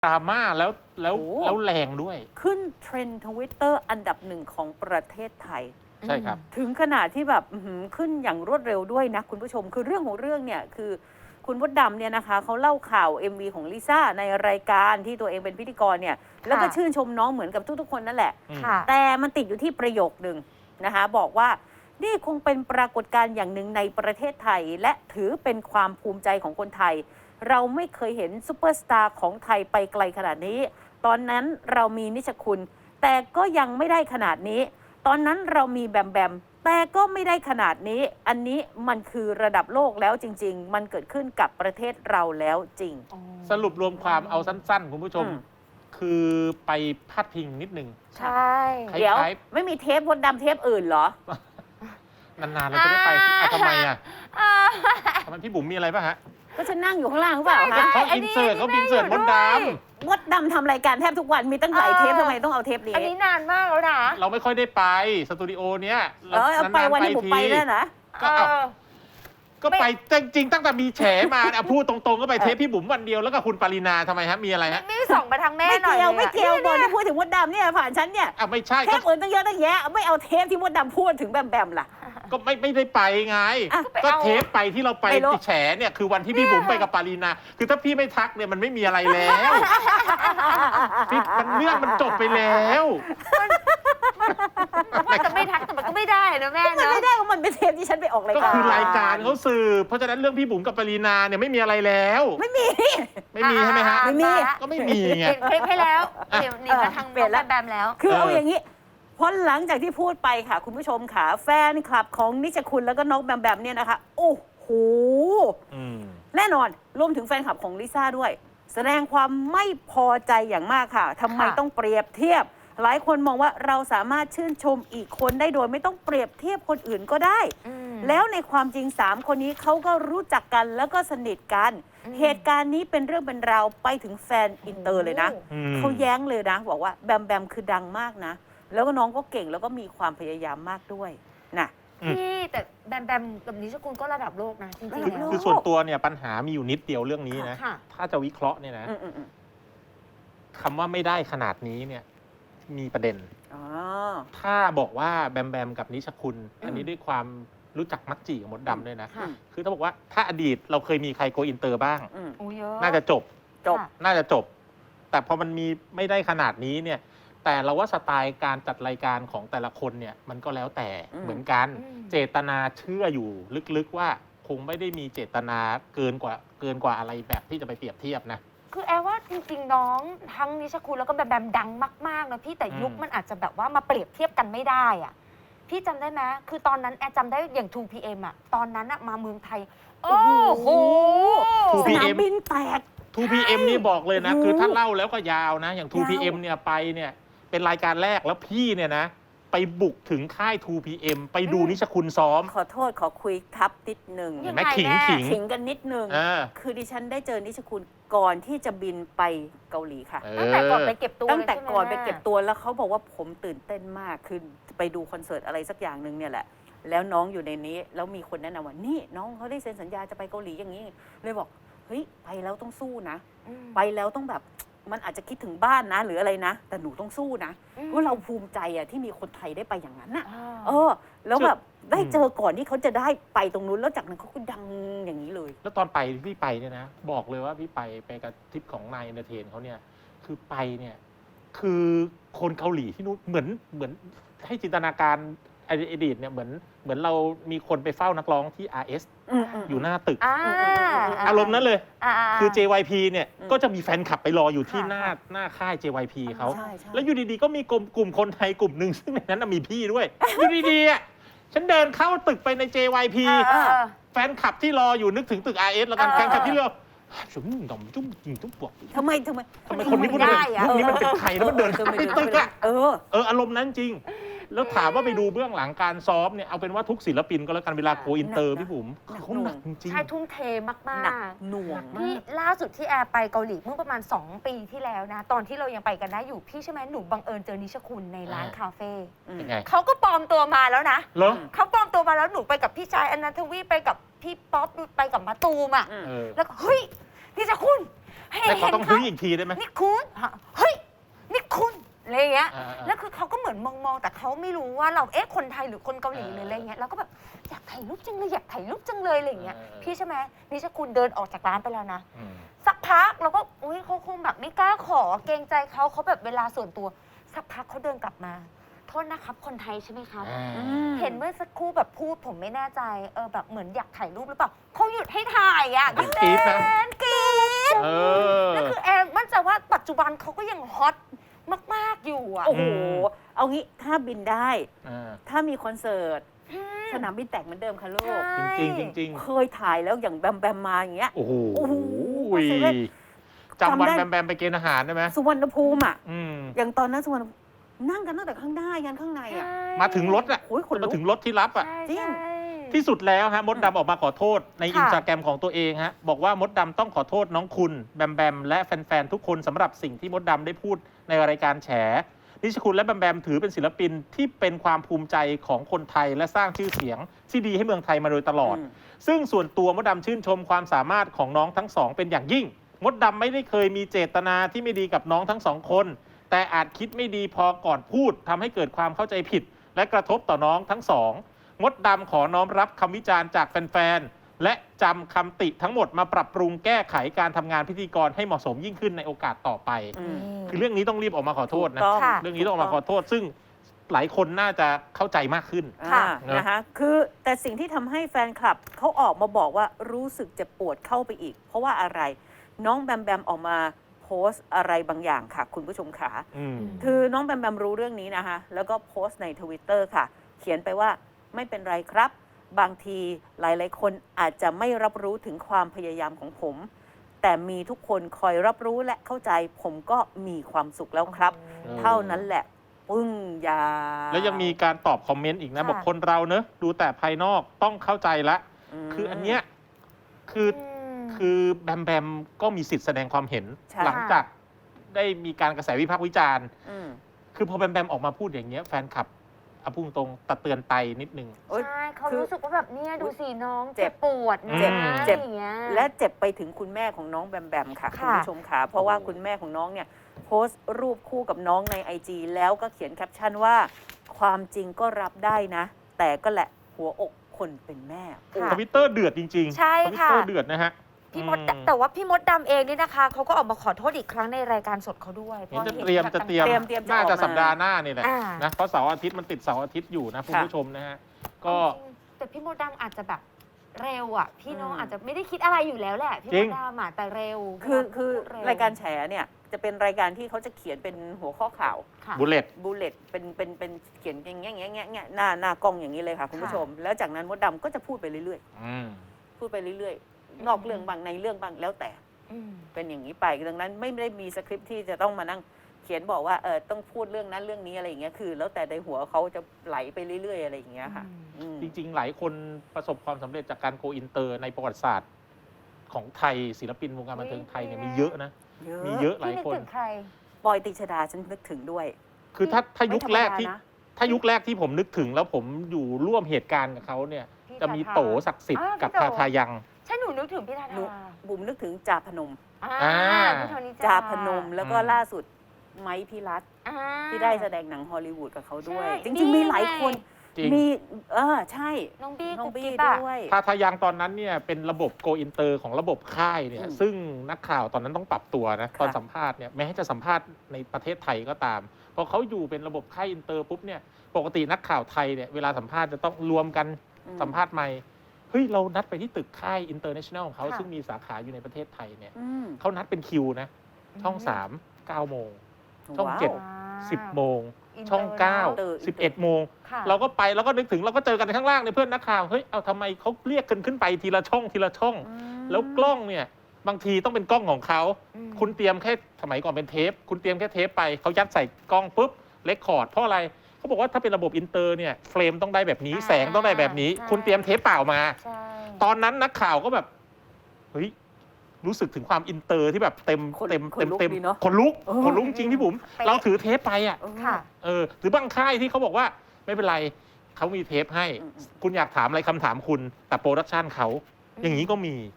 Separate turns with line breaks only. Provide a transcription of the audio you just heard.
ดราม่าแล้ว
โอ้
แรงด้วย
ขึ้นเทรนด์ทวิตเตอร์อันดับหนึ่งของประเทศไทย
ใช่ครับ
ถึงขนาดที่แบบขึ้นอย่างรวดเร็วด้วยนะคุณผู้ชมคือเรื่องของเรื่องเนี่ยคือคุณมดดำเนี่ยนะคะเขาเล่าข่าว MV ของลิซ่าในรายการที่ตัวเองเป็นพิธีกรเนี่ยแล้วก็ชื่นชมน้องเหมือนกับทุกๆคนนั่นแหละ
ค่ะ
แต่มันติดอยู่ที่ประโยคหนึ่งนะคะบอกว่านี่คงเป็นปรากฏการณ์อย่างหนึ่งในประเทศไทย และถือเป็นความภูมิใจของคนไทย เราไม่เคยเห็นซูเปอร์สตาร์ของไทยไปไกลขนาดนี้ ตอนนั้นเรามีนิชคุณ แต่ก็ยังไม่ได้ขนาดนี้ ตอนนั้นเรามีแบมแบมแต่ก็ไม่ได้ขนาดนี้ อันนี้มันคือระดับโลกแล้วจริง ๆ มันเกิดขึ้นกับประเทศเราแล้วจริง
สรุปรวมความเอาสั้นๆ คุณผู้ชม คือไปพาดพิงนิดนึง
ใช่
คล้ายๆ
เดี๋ยวไม่มีเทปมดดำเทปอื่นเหรอ
นานๆเราจะได้ไปทำไมอ่ะทำไมพี่บุ๋มมีอะไรป่ะฮะ
ก็ฉันนั่งอยู่ข้างล่างหรือเปล่าคะ
เขาอินเสิร์ตมดด
มดดำทำรายการแทบทุกวันมีตั้งหลายเทปทำไมต้องเอาเทปนี้
อันนี้นานมากแล้วนะ
ำเราไม่ค่อยได้ไปสตูดิโอเนี้ย
เอาไปวันที่ผมไปแล้วนะ
ก็ไปจริงๆตั้งแต่มีแฉมาอ่ะพูดตรงๆก็ไปเทปพี่บุ๋มวันเดียวแล้วก็คุณปรินาทำไมฮะมีอะไรฮะ
ไม่ส่งมาทางแม่
ไม่
หน่อย
เกี่ยว
ล
ไม่เกี่ยวบอลที่พูดถึงมดดำเนี่ยผ่านฉันเนี่ย
อ่ะไม่ใช่
เทปอื่นตั้งเยอะตั้งแยะไม่เอาเทปที่มดดำพูดถึงแบมแบมล่ะ
ก็ไม่ได้ไปไง
อ่ะ
ก็เทปไปที่เราไป
ไม่รู้
แฉเนี่ยคือวันที่พี่บุ๋มไปกับปารีนาคือถ้าพี่ไม่ทักเนี่ยมันไม่มีอะไรแล้วมันเรื่องมันจบไปแล้ว
ว่าจะไม่ทักแต่มันก็ไม่ได้นะแม่
มัน
เนาะ
ไม่ได้ว่ามันเป็นเทปที่ฉันไปออกราย
ก็
การ
คือรายการเขาสืบเพราะฉะนั้นเรื่องพี่บุ๋มกับปารีนาเนี่ยไม่มีอะไรแล้ว
ไม่มี
ไม่มีใช่ไหมฮะ
ไม่มี
ก็ไม่มีไง
เปลี่ยนคลิปให้แล้วเดี๋ยวนี่มาทาง
เปลี่ยนแล้ว
แบมแล้ว
คือเอาอย่างนี้เพราะหลังจากที่พูดไปค่ะ คุณผู้ชมค่ะแฟนคลับของนิชคุณแล้วก็น้องแบมแบมเนี่ยนะคะโอ้โห แน่นอนรวมถึงแฟนคลับของลิซ่าด้วย แสดงความไม่พอใจอย่างมากค่ะทำไม
ค่ะ
ต้องเปรียบเทียบ หลายคนมองว่าเราสามารถชื่นชมอีกคนได้โดยไม่ต้องเปรียบเทียบคนอื่นก็ได้ แล้วในความจริง 3 คนนี้เขาก็รู้จักกันแล้วก็สนิทกัน เหตุการณ์นี้เป็นเรื่องเป็นราวไปถึงแฟนอินเตอร์เลยนะ เขาแย้งเลยนะ บอกว่าแบมแบมคือดังมากนะ แล้วก็น้องก็เก่งแล้วก็มีความพยายามมากด้วยนะ
พี่แต่แบมแบมกับนิชคุณก็ระดับโลกนะจริงๆ
ระดับ
แล้ว
โลก
คือส่วนตัวเนี่ยปัญหามีอยู่นิดเดียวเรื่องนี้นะ
ค่ะ
ถ้าจะวิเคราะห์เนี่ยนะ
อืม
คำว่าไม่ได้ขนาดนี้เนี่ยมีประเด็น
อ๋อ
ถ้าบอกว่าแบมแบมกับนิชคุณ อันนี้ด้วยความรู้จักมักจีกับมดดำด้วยนะ
ค่ะ
คือถ้าบอกว่าถ้าอดีตเราเคยมีใครโกอินเตอร์บ้าง
อืม
โอ้เยอะ
น่าจะจบ
จบ
ค่ะ
น่าจะจบ แต่พอมันมีไม่ได้ขนาดนี้เนี่ย แต่เราว่าสไตล์การจัดรายการของแต่ละคนเนี่ยมันก็แล้วแต่
อืม
เหมือนกัน
อืม
เจตนาเชื่ออยู่ลึกๆว่าคงไม่ได้มีเจตนาเกินกว่าอะไรแบบที่จะไปเปรียบเทียบนะ
คือแอร์ว่าจริงๆน้องทั้งนิชคุณแล้วก็แบมแบมดังมากๆนะพี่แต่ยุค
อืม
มันอาจจะแบบว่ามาเปรียบเทียบกันไม่ได้อะพี่จำได้ไหมคือตอนนั้นแอร์จำได้อย่าง 2PM อะตอนนั้นอะมาเมืองไทย โอ้โห
สนามบินแตก
2PM นี่บอกเลยนะ
โอ้โห
คือถ้าเล่าแล้วก็ยาวนะ อย่าง 2PM
ยาว
เนี่ยไปเนี่ยเป็นรายการแรกแล้วพี่เนี่ยนะ ไปบุกถึงค่าย 2PM ไปดูนิชคุณซ้อม
ขอโทษขอคุยทับนิดนึง
เห็นไหม
ยังไง
ขิง
แม่
ขิง
ขิงกันนิดนึง
เออ
คือดิฉันได้เจอนิชคุณก่อนที่จะบินไปเกาหลีค่ะ
ตั้งแต่ก่อนไปเก็บตัว
ตั้งแต่
เลยใช่หม
ก่อนไป
แม่
เก็บตัวแล้วเขาบอกว่าผมตื่นเต้นมากคือไปดูคอนเสิร์ตอะไรสักอย่างหนึ่งเนี่ยแหละ แล้วน้องอยู่ในนี้ แล้วมีคนแนะนำว่านี่น้องเขาได้เซ็นสัญญาจะไปเกาหลีอย่างนี้ เลยบอกเฮ้ยไปแล้วต้องสู้นะ
อืม
ไปแล้วต้องแบบมันอาจจะคิดถึงบ้านนะ หรืออะไรนะ แต่หนูต้องสู้นะเพราะเราภูมิใจอะที่มีคนไทยได้ไปอย่างนั้นอะ เออ แล้วแบบได้เจอก่อนที่เขาจะได้ไปตรงนู้นแล้วจากนั้นเขาก็ดังอย่างนี้เลย
แล้วตอนไปพี่ไปเนี่ยนะ บอกเลยว่าพี่ไปกับทริปของนายเอนเตอร์เทนเขาเนี่ย คือไปเนี่ย คือคนเกาหลีที่นู้นเหมือนให้จินตนาการอดีตเนี่ยเหมือนเรามีคนไปเฝ้านักร้องที่ RS อยู่หน้าตึก
อ่า
อารมณ์นั้นเลย
า
คือ JYP เนี่ย
อืม
ก็จะมีแฟนคลับไปรออยู่ที่
ค่ะ
หน้าค่าย JYP เขา
ใช่ใช่
แล้วอยู่ดีๆ ก็มีกลุ่มคนไทยกลุ่มหนึ่งซึ่งในนั้นนะมีพี่ด้วย อยู่ดีๆอ่ะฉันเดินเข้าตึกไปใน JYP
เออ
แฟนคลับที่รออยู่นึกถึงตึก RS แล้วกัน
เออ
แฟนคลับที่เรอจุ่มดำจุ่มจริงจุ่มปวก
ทำไม
ทำไมคนนี้พูด
ได้
ได้
อะ
พวกนี้มันเป็นใครแล้วมันเดินเข้าไปตึกอ่ะ
เออ
อารมณ์นั้นจริง แล้วถามว่าไปดูเบื้องหลังการซ้อมเนี่ยเอาเป็นว่าทุกศิลปินก็แล้วกันเวลาโกอินเตอร์
หนักนะ
พี่บุ๋มคือเขาหนักจริง
ใช่ทุ่มเทมาก
หนักหน่วง
ๆพี่ล่าสุดที่แอร์ไปเกาหลีเมื่อประมาณ 2 ปีที่แล้วนะ ตอนที่เรายังไปกันได้อยู่พี่ใช่ไหมหนูบังเอิญเจอนิชคุณในร้านคาเฟ่
ๆเป็นไง
เขาก็ปลอมตัวมาแล้วนะ
เหรอ
เขาปลอมตัวมาแล้วหนูไปกับพี่ชายอนันทวีไปกับพี่ป๊อปไปกับมะตูมอ่ะ
เออ
แล้วก็เฮ้ยนิชคุณ
แต่เขาต้องเฮ้ยอีกทีได้ไหม
นี่คุณเฮ้ยนี่คุณอะไรอย่างเงี้ย
อ่าๆ
แล้วคือเขาก็เหมือนมองแต่เขาไม่รู้ว่าเราคนไทยหรือคนเกาหลีหรืออะไรเงี้ยเราก็แบบอยากถ่ายรูปจังเลยอยากถ่ายรูปจังเลยอะไรอย่างเงี้ยพี่ใช่ไหมนิชคุณเดินออกจากร้านไปแล้วนะ
อืม
สักพักเราก็อุ้ยเขาคงแบบไม่กล้าขอเกรงใจเขาแบบเวลาส่วนตัวสักพักเขาเดินกลับมาโทษนะครับคนไทยใช่ไหมครับ เห็นเมื่อสักครู่แบบพูดผมไม่แน่ใจแบบเหมือนอยากถ่ายรูปหรือเปล่าเขาหยุดให้ถ่ายอ่ะ
กรี๊ดนะ
กรี๊ด
เออ
แล้วคือแอนมั่นใจว่าปัจจุบันเขาก็ยังฮอตมากๆอยู่อ่ะ
โอ้โห เอางี้ถ้าบินได้
อ่า
ถ้ามีคอนเสิร์ต สนามบินแตกเหมือนเดิมค่ะลูก
ใช่
จริงๆจริง
เคยถ่ายแล้วอย่างแบมแบมมาอย่างเงี้ย
ๆโอ้โห
โอ้โห
จำวัน
จำได้
แบมไปเกณฑ์อาหารได้ไหม
สุวรรณภูมิอ่ะ
อืม
อย่างตอนนั้นสุวรรณนั่งกันตั้งแต่ข้างหน้ายันข้างในอ่ะ
มาถึงรถอ่ะ
โอ้ยขนลุก
มาถึงรถที่รับอ่ะ
ใช่
จริง
ใช่
ที่สุดแล้วฮะมดดำออกมาขอโทษใน
ค่ะ
อินสตาแกรมของตัวเองฮะบอกว่ามดดำต้องขอโทษน้องคุณแบมแบมและแฟนๆทุกคนสำหรับสิ่งที่มดดำได้พูดในรายการแฉนิชคุณและแบมแบมถือเป็นศิลปินที่เป็นความภูมิใจของคนไทยและสร้างชื่อเสียงที่ดีให้เมืองไทยมาโดยตลอด ซึ่งส่วนตัวมดดำชื่นชมความสามารถของน้องทั้งสองเป็นอย่างยิ่ง มดดำไม่ได้เคยมีเจตนาที่ไม่ดีกับน้องทั้งสองคน แต่อาจคิดไม่ดีพอก่อนพูดทำให้เกิดความเข้าใจผิด และกระทบต่อน้องทั้งสอง มดดำขอน้อมรับคำวิจารณ์จากแฟนๆ และจำคำติทั้งหมดมาปรับปรุงแก้ไขการทำงานพิธีกรให้เหมาะสมยิ่งขึ้นในโอกาสต่อไป
อืม
คือเรื่องนี้ต้องรีบออกมาขอโทษนะ
ถูกต้อง
ค่ะ
เรื่องนี้ต้องออกมาขอโทษ ซึ่งหลายคนน่าจะเข้าใจมากขึ้น
ค่ะ
นะคะคือแต่สิ่งที่ทำให้แฟนคลับเขาออกมาบอกว่ารู้สึกเจ็บปวดเข้าไปอีก เพราะว่าอะไร น้องแบมแบมออกมาโพสต์อะไรบางอย่างค่ะ คุณผู้ชมขา
อืม
คือน้องแบมแบมรู้เรื่องนี้นะคะ แล้วก็โพสต์ใน Twitter ค่ะ เขียนไปว่าไม่เป็นไรครับ บางทีหลายๆ คนอาจจะไม่รับรู้ถึงความพยายามของผม แต่มีทุกคนคอยรับรู้และเข้าใจผมก็มีความสุขแล้วครับ เท่านั้นแหละ ปึ้งยา
แล้วยังมีการตอบคอมเมนต์อีกนะ
ค่ะ
บอกคนเราเนอะดูแต่ภายนอกต้องเข้าใจละ คืออันเนี้ยคือแบมแบมก็มีสิทธิ์แสดงความเห็น
ใช่
หลังจากได้มีการกระแสวิพากษ์วิจารณ์
ม
คือพอแบมแบมออกมาพูดอย่างเงี้ยแฟนคลับเอาพุ่งตรงตัดเตือนไตนิดนึง
โอ๊ย
ใช่เขา
คือ
รู้สึกว่าแบบเนี่ยดูสิน้อง
เจ็
เจ็
บ
บปวดนะ
เจ็บ
เจ็บ
อย่างเงี้ย
และเจ็บไปถึงคุณแม่ของน้องแบมแบมค่ะ
ค่ะ
คุณผู้ชมค่ะเพราะว่าคุณแม่ของน้องเนี่ยโพสต์รูปคู่กับน้องใน IG แล้วก็เขียนแคปชั่นว่า ความจริงก็รับได้นะ แต่ก็แหละหัวอกคนเป็นแม่
ค่ะ
ทวิตเตอร์เดือดจริงๆ
ใช่
ทวิต
ค่ะ
เตอร์เดือดนะฮะ
พี่มดแต่ว่าพี่มดดำเองนี่นะคะเขาก็ออกมาขอโทษอีกครั้งในรายการสดเขาด้วย
เห็นจะ
พา
เตรียม
แบบ
จะเตรียม
เตรียมจะ
น่า
ออก
จะ
มา
สัปดาห์หน้านี่แหละ
อ่า
นะเพราะเสาร์อาทิตย์มันติดเสาร์อาทิตย์อยู่นะคุณ
ค่ะ
ผู้ชมนะฮะก็
จริงๆแต่พี่มดดำอาจจะแบบเร็วอ่ะ พี่น้อง
อืม
อาจจะไม่ได้คิดอะไรอยู่แล้วแหละ พี่
จริ
ม
ง
ดดำอ่ะแต่เร็ว
คือ
เวลพูดเว
รายการแฉเนี่ยจะเป็นรายการที่เขาจะเขียนเป็นหัวข้อข่าว
ค่ะ
บุลเลต
บูเลตเป็นเขียนอย่างเงี้ยหน้ากล้องอย่างนี้เลยค่ะคุณผู้ชม แล้วจากนั้นมดดำก็จะพูดไปเรื่อย
อืม
ๆพูดไปเรื่อยๆนอกเรื่องบางในเรื่องบางแล้วแต่
อืม
เป็นอย่างนี้ไปดังนั้นไม่ได้มีสคริปต์ที่จะต้องมานั่งเขียนบอกว่าต้องพูดเรื่องนั้นเรื่องนี้อะไรอย่างเงี้ยคือ แล้วแต่ในหัวเขาจะไหลไปเรื่อยๆอะไรอย่างเงี้ยค่ะอืม
จริงๆ หลายคนประสบความสำเร็จจากการโกอินเตอร์ในประวัติศาสตร์ของไทยศิลปินวงการบันเทิงไทยเนี่ยมีเยอะนะ มีเยอะหลาย
พี่นึก
คน
ถึงใคร
ปอยติชดาฉันนึกถึงด้วย
คือถ้ายุคแรกที่
ไม่ธรรมดานะ
ถ้ายุคแรกที่ผมนึกถึงแล้วผมอยู่ร่วมเหตุการณ์กับเขาเนี่ย
พี่
จะมี
ทาทา
โตศักดิ์สิทธิ์
อ่า
กับ
พี่
ทา
โต
ทายัง
ใช่หนูนึกถึงพี่ทา
หนู
ทา
บุ๋มนึกถึงจาพนม
อ่าพี่โทนี่
จาพนมแล้วก็
อืม
ล่าสุดไม้พิรัตน์
อ่า
ที่ได้แสดงหนังฮอลลีวูดกับเขาด้วย
ใช่
จริงๆมีหลายคน
จริง
มีใช่
น้องบี้
น้อง
กุ๊บ
บี้
กิ๊บอะ
ด้วย
ทาทายังตอนนั้นเนี่ยเป็นระบบโกอินเตอร์ของระบบค่ายเนี่ย
อืม
ซึ่งนักข่าวตอนนั้นต้องปรับตัวนะ
ค่ะ
ตอนสัมภาษณ์เนี่ยแม้จะสัมภาษณ์ในประเทศไทยก็ตามพอเขาอยู่เป็นระบบค่ายอินเตอร์ปุ๊บเนี่ยปกตินักข่าวไทยเนี่ยเวลาสัมภาษณ์จะต้องรวมกัน
อืม
สัมภาษณ์ใหม่เฮ้ยเรานัดไปที่ตึกค่ายอินเตอร์เนชั่นแนลของเขา
ค่ะ
ซึ่งมีสาขาอยู่ในประเทศไทยเนี่ย
อืม
เขานัดเป็นคิวนะช่อง 3 9 โมง ช่อง
ว้าว
เจ็ด
อ่า
10 โมง
อินเตอร์
ช่อง
อินเตอร์
9 11 โมง
ค่ะ
เราก็ไปแล้วก็นึกถึงเราก็เจอกันข้างล่างในยเพื่อนนักข่าวเฮ้ยเอาทำไมเขาเรียกกันขึ้นไปทีละช่องทีละช่อง
อืม
แล้วกล้องเนี่ยบางทีต้องเป็นกล้องของเขา
อืม
คุณเตรียมแค่สมัยก่อนเป็นเทป คุณเตรียมแค่เทปไปเขายัดใส่กล้องปุ๊บเรคคอร์ดเพราะอะไรเขาบอกว่าถ้าเป็นระบบอินเตอร์เนี่ยเฟรมต้องได้แบบนี้
อ่า
แสงต้องได้แบบนี้
ใช่
คุณเตรียมเทปเปล่ามา
ใช่
ตอนนั้นนักข่าวก็แบบเฮ้ยรู้สึกถึงความอินเตอร์ที่แบบเต็ม
ขน
เต็ม
ข
เต็
น
ม
ลุก
เต็ม
ดีเนอะ
ขนลุก
เออ
ขนลุกจริงพี่บุ๋ม
เป๊ะ
เราถือเทปไปอ่ะ
ค่ะ
หรือบางค่ายที่เขาบอกว่าไม่เป็นไรเขามีเทปให้
อืม
คุณอยากถามอะไรคำถามคุณแต่โปรดักชันเขาอย่างนี้ก็มี